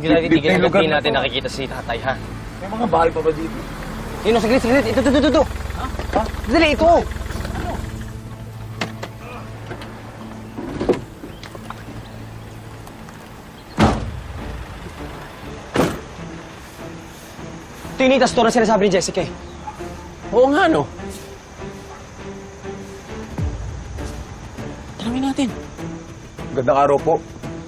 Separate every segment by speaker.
Speaker 1: Hindi natin nakikita si tatay, ha?
Speaker 2: May mga bahay pa ba dito?
Speaker 1: Yun, saglit. Ito.
Speaker 2: Ha?
Speaker 1: Dali, ito. Ito yung nitas store na sinasabi ni Jessica, eh.
Speaker 3: Oo nga, no? Tanungin natin.
Speaker 2: Gandang araw po.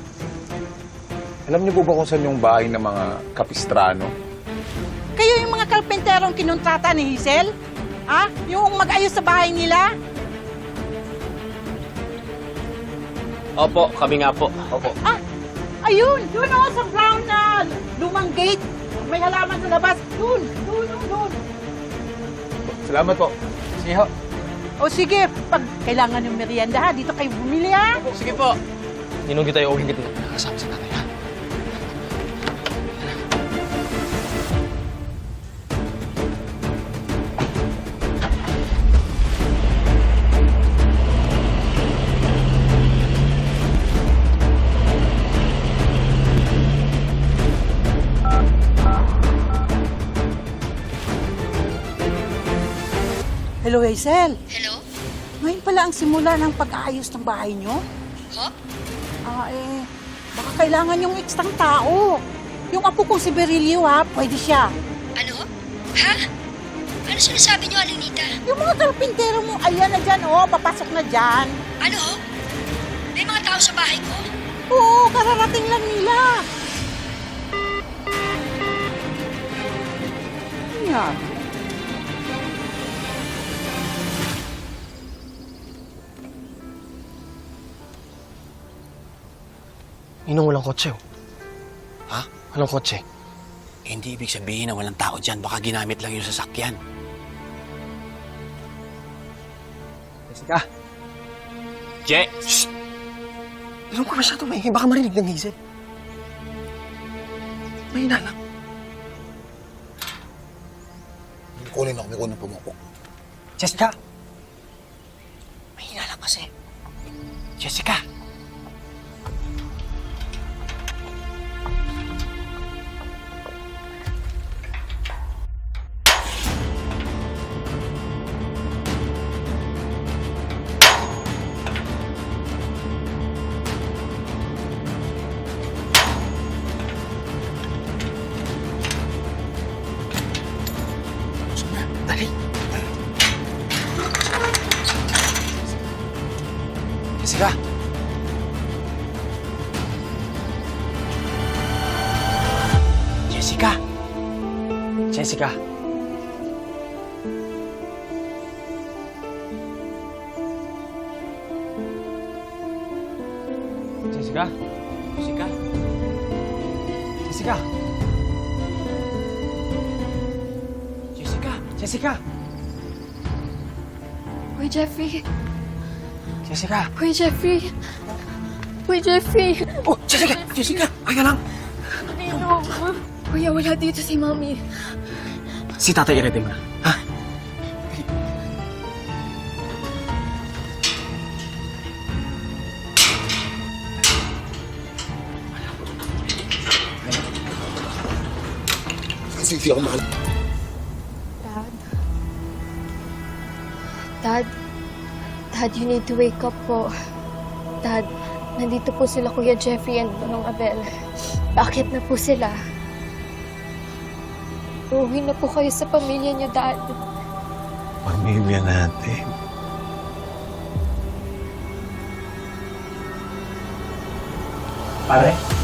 Speaker 2: Alam niyo po ba kung saan yung bahay ng mga kapistrano?
Speaker 4: Kayo yung mga kalpenterong kinontrata ni Hazel? Ha? Yung mag-ayos sa bahay nila?
Speaker 3: Opo, kami nga po.
Speaker 2: Opo.
Speaker 4: Ah, ayun! Yun o, sa brown na lumang gate. May halaman sa labas. Doon.
Speaker 2: Salamat po.
Speaker 1: Sige, ho.
Speaker 4: O sige, pag kailangan yung merienda ha, dito kayo bumili ha.
Speaker 3: Sige po.
Speaker 1: Ninong tayo o hingit na nakasama sa tatay, ha?
Speaker 4: Hello, Hazel.
Speaker 5: Hello?
Speaker 4: Ngayon pala ang simula ng pag-aayos ng bahay nyo?
Speaker 5: Ho?
Speaker 4: Baka kailangan yung ekstrang tao. Yung apo kong si Berilio ha, pwede siya.
Speaker 5: Ano? Ha? Ano sinasabi niyo, Alinita?
Speaker 4: Yung mga kalpintero mo, ayan na dyan oh, papasok na dyan.
Speaker 5: Ano? May mga tao sa bahay ko?
Speaker 4: Oo, kararating lang nila. Yan.
Speaker 1: Ninong walang kotse, oh.
Speaker 3: Ha?
Speaker 1: Walang kotse.
Speaker 3: Hindi ibig sabihin na walang tao dyan. Baka ginamit lang yung sasakyan.
Speaker 1: Jessica.
Speaker 3: Je!
Speaker 1: Shh! Alam ko masyado maingay. Baka marinig ng Hazel. Mahina lang.
Speaker 2: Kunin ako pumupo.
Speaker 1: Jessica!
Speaker 3: Mahina lang kasi. Jessica!
Speaker 1: Dali. Jessica!
Speaker 3: Jessica!
Speaker 1: Jessica! Jessica?
Speaker 3: Jessica?
Speaker 1: Jessica!
Speaker 3: Jessica!
Speaker 1: Jessica!
Speaker 6: Uy, Jeffrey.
Speaker 1: Jessica!
Speaker 6: Uy, Jeffrey. Uy, Jeffrey.
Speaker 1: Oh, Jessica! Jessica! Ay ka lang!
Speaker 6: Nino. Kuya, wala dito si Mommy.
Speaker 1: Si tatay i-ready mo na. Ha?
Speaker 2: Kasi ako mahal.
Speaker 6: Dad, you need to wake up po. Dad, nandito po sila Kuya Jeffrey and Manong Abel. Bakit na po sila? Uuwi na po kayo sa pamilya niyo, Dad.
Speaker 2: Pamilya natin.
Speaker 1: Pare?